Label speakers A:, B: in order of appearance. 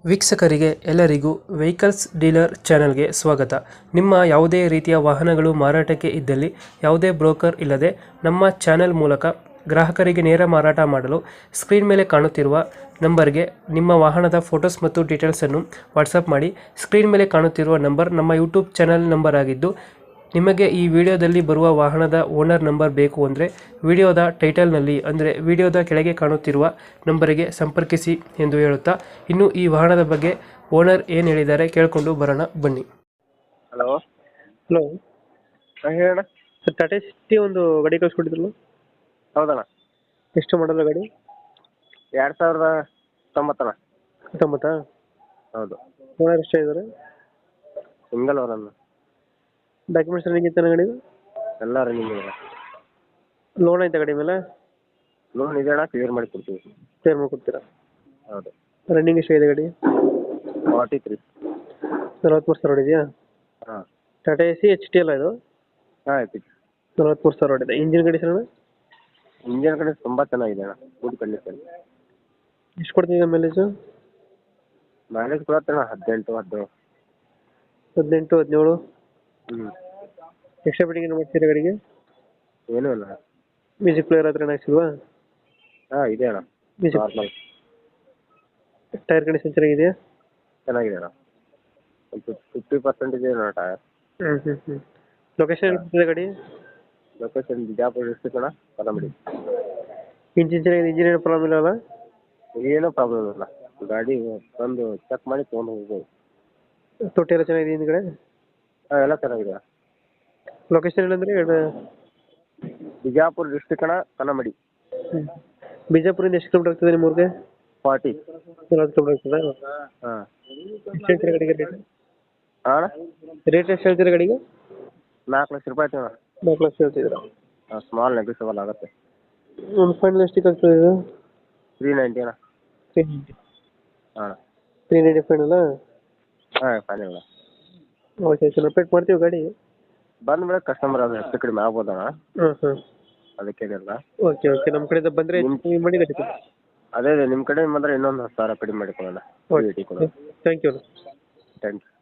A: ವೀಕ್ಷಕರಿಗೆ ಎಲ್ಲರಿಗೂ vehicles dealer ಚಾನೆಲ್ಗೆ ಸ್ವಾಗತ. ನಿಮ್ಮ ಯಾವುದೇ ರೀತಿಯ ವಾಹನಗಳು ಮಾರಾಟಕ್ಕೆ ಇದ್ದಲ್ಲಿ ಯಾವುದೇ ಬ್ರೋಕರ್ ಇಲ್ಲದೆ ನಮ್ಮ ಚಾನೆಲ್ ಮೂಲಕ ಗ್ರಾಹಕರಿಗೆ ನೇರ ಮಾರಾಟ ಮಾಡಲು ಸ್ಕ್ರೀನ್ ಮೇಲೆ ಕಾಣುತ್ತಿರುವ ನಂಬರ್ಗೆ ನಿಮ್ಮ ವಾಹನದ ಫೋಟೋಸ್ ಮತ್ತು ಡೀಟೇಲ್ಸನ್ನು ವಾಟ್ಸಪ್ ಮಾಡಿ. ಸ್ಕ್ರೀನ್ ಮೇಲೆ ಕಾಣುತ್ತಿರುವ ನಂಬರ್ ನಮ್ಮ ಯೂಟ್ಯೂಬ್ ಚಾನೆಲ್ ನಂಬರ್ ಆಗಿದ್ದು, ನಿಮಗೆ ಈ ವಿಡಿಯೋದಲ್ಲಿ ಬರುವ ವಾಹನದ ಓನರ್ ನಂಬರ್ ಬೇಕು ಅಂದರೆ ವಿಡಿಯೋದ ಟೈಟಲ್ನಲ್ಲಿ ಅಂದರೆ ವಿಡಿಯೋದ ಕೆಳಗೆ ಕಾಣುತ್ತಿರುವ ನಂಬರಿಗೆ ಸಂಪರ್ಕಿಸಿ ಎಂದು ಹೇಳುತ್ತಾ, ಇನ್ನು ಈ ವಾಹನದ ಬಗ್ಗೆ ಓನರ್ ಏನು ಹೇಳಿದ್ದಾರೆ ಕೇಳಿಕೊಂಡು ಬರೋಣ ಬನ್ನಿ.
B: ಹಲೋ.
A: ಹಲೋ
B: ಹೇಳಣ್ಣ.
A: ಸರ್, ಟಾಟಾ ಸಿಟಿ ಒಂದು ಗಾಡಿ ಕಳಿಸ್ಕೊಟ್ಟಿದ್ರಲ್ಲ,
B: ಹೌದಣ್ಣ.
A: ಎಷ್ಟು ಮಾಡಲ್ಲ ಗಾಡಿ?
B: 2019.
A: 19?
B: ಹೌದು.
A: ಓನರ್ ಎಷ್ಟೇ ಇದ್ದಾರೆ?
B: Single owner.
A: ಡಾಕ್ಯುಮೆಂಟ್ಸ್ ರನ್ನಿಂಗ್ ಇತ್ತು ಗಾಡಿ?
B: ಎಲ್ಲ ರನ್ನಿಂಗ್ ಇದೆ.
A: ಲೋನ್ ಐತೆ ಗಾಡಿ ಮೇಲೆ?
B: ಲೋನ್ ಇದೆ ಅಣ್ಣ, ಕ್ಲಿಯರ್ ಮಾಡಿ ಕೊಡ್ತೀವಿ.
A: ಕ್ಲಿಯರ್ ಮಾಡ್ಕೊಡ್ತೀರಾ?
B: ಹೌದು.
A: ರನ್ನಿಂಗ್ ಎಷ್ಟಾಗಿದೆ ಗಾಡಿ?
B: 43.
A: 43,000 ಹೊಡಿದೆಯಾ?
B: ಹಾಂ.
A: Tata A C H T ಅಲ್ಲ ಇದು?
B: ಹಾಂ, ಐತಿ.
A: 43,000 ಹೊಡಿದೆ. ಇಂಜಿನ್ ಕಂಡೀಷನ್ ಅಣ್ಣ?
B: ಇಂಜಿನ್ ಕಡೆ ತುಂಬ ಚೆನ್ನಾಗಿದೆ ಅಣ್ಣ, ಗುಡ್ ಕಂಡೀಷನ್.
A: ಎಷ್ಟು ಕೊಡ್ತಿದೆ ಮೈಲೇಜು?
B: ಮೈಲೇಜ್ ಕೊಡತ್ತಣ್ಣ 18, 19.
A: 18, 17?
B: ಹ್ಞೂ.
A: ಎಕ್ಸ್ಟ್ರಾ ಫಿಟ್ಟಿಂಗ್ ಏನು ಮಾಡ್ತೀರಾ ಗಾಡಿಗೆ?
B: ಏನೂ ಇಲ್ಲ.
A: ಮ್ಯೂಸಿಕ್ ಪ್ಲೇಯರ್ ಹತ್ರ ಹಾಕ್ಸಿಲ್ವಾ?
B: ಹಾಂ, ಇದೆ ಅಣ್ಣ.
A: ಮ್ಯೂಸಿಕ್.
B: ನಾರ್ಮಲ್.
A: ಟೈರ್ ಕಂಡೀಷನ್ ಚೆನ್ನಾಗಿದೆಯಾ?
B: ಚೆನ್ನಾಗಿದೆ ಅಣ್ಣ. ಒಂದು 50% ಇದೆ ಅಣ್ಣ ಟೈರ್.
A: ಲೊಕೇಶನ್ ಎಲ್ಲಿದೆ ಗಾಡಿ?
B: ಲೊಕೇಶನ್ ಬಿಜಾಪುರ ಡಿಸ್ಟ್ರಿಕ್ಟ್ ಅಣ್ಣ, ಕಲಮಡಿ.
A: ಇಂಜಿನ್ ಚೆನ್ನಾಗಿದೆ? ಇಂಜಿನ್ ಏನು ಪ್ರಾಬ್ಲಮ್ ಇಲ್ಲ ಅಲ್ಲ?
B: ಏನೂ ಪ್ರಾಬ್ಲಮ್ ಇಲ್ಲ. ಗಾಡಿ ಬಂದು ಚೆಕ್ ಮಾಡಿ ತೊಗೊಂಡು ಹೋಗ್ಬೋದು.
A: ತೊಟ್ಟಿ ಎಲ್ಲ ಚೆನ್ನಾಗಿದೆ ಹಿಂದ್ಗಡೆ?
B: ಹಾಂ, ಎಲ್ಲ ಚೆನ್ನಾಗಿದೆ.
A: ಲೊಕೇಶನ್ ಏನಂದ್ರೆ?
B: ಬಿಜಾಪುರ ಡಿಸ್ಟ್ರಿಕ್ಟ್ ಅಣ್ಣ, ಕಲಮಡಿ.
A: ಬಿಜಾಪುರಿಂದ ಎಷ್ಟು ಕಿಲೋಮೀಟರ್ ಆಗ್ತದೆ ನಿಮ್ಮ ಊರಿಗೆ?
B: 40.
A: 40 ಕಿಲೋಮೀಟರ್ ಆಗ್ತದಾ?
B: ಹಾಂ.
A: ಎಷ್ಟು ಹೇಳ್ತೀರಾ ಗಾಡಿಗೆ ರೇಟ್?
B: ಹಾಂ ಅಣ್ಣ.
A: ರೇಟ್ ಎಷ್ಟು ಹೇಳ್ತೀರಾ ಗಾಡಿಗೆ?
B: 4 ಲಕ್ಷ ರೂಪಾಯಿ ಆಯ್ತು ಅಣ್ಣ.
A: 4 ಲಕ್ಷ ಹೇಳ್ತಿದ್ದೀರಾ?
B: ಹಾಂ, ಸ್ಮಾಲ್ ನೆಗೋಷಿಯಬಲ್ ಆಗುತ್ತೆ.
A: ಒಂದು ಫೈನಲ್ ಎಷ್ಟಕ್ಕೆ ಆಗ್ತದೆ ಇದು?
B: 390 ಅಣ್ಣ.
A: 390?
B: ಹಾಂ.
A: 390 ಫೈನಲ್ಲ?
B: ಹಾಂ, ಫೈನಲ್ ಅಣ್ಣ.
A: ಓಕೆ ಸರ್, ರಿಪೇಟ್ ಮಾಡ್ತೀವಿ ಗಾಡಿ.
B: ಬಂದ ಮೇಲೆ ಕಸ್ಟಮರ್ ಅದು ಹೆಚ್ಚು ಕಡಿಮೆ ಆಗ್ಬೋದಣ್ಣ,
A: ಹಾಂ.
B: ಅದಕ್ಕೇನಿಲ್ಲ.
A: ಓಕೆ, ನಮ್ಮ ಕಡೆಯಿಂದ ಬಂದರೆ ಮಾಡಿ ಗಾಡಿ.
B: ಅದೇ ನಿಮ್ಮ ಕಡೆ ಬಂದರೆ ಇನ್ನೊಂದು 10,000 ಕಡಿಮೆ ಮಾಡಿಕೊಡೋಣ.
A: Okay, thank you.
B: Thank you.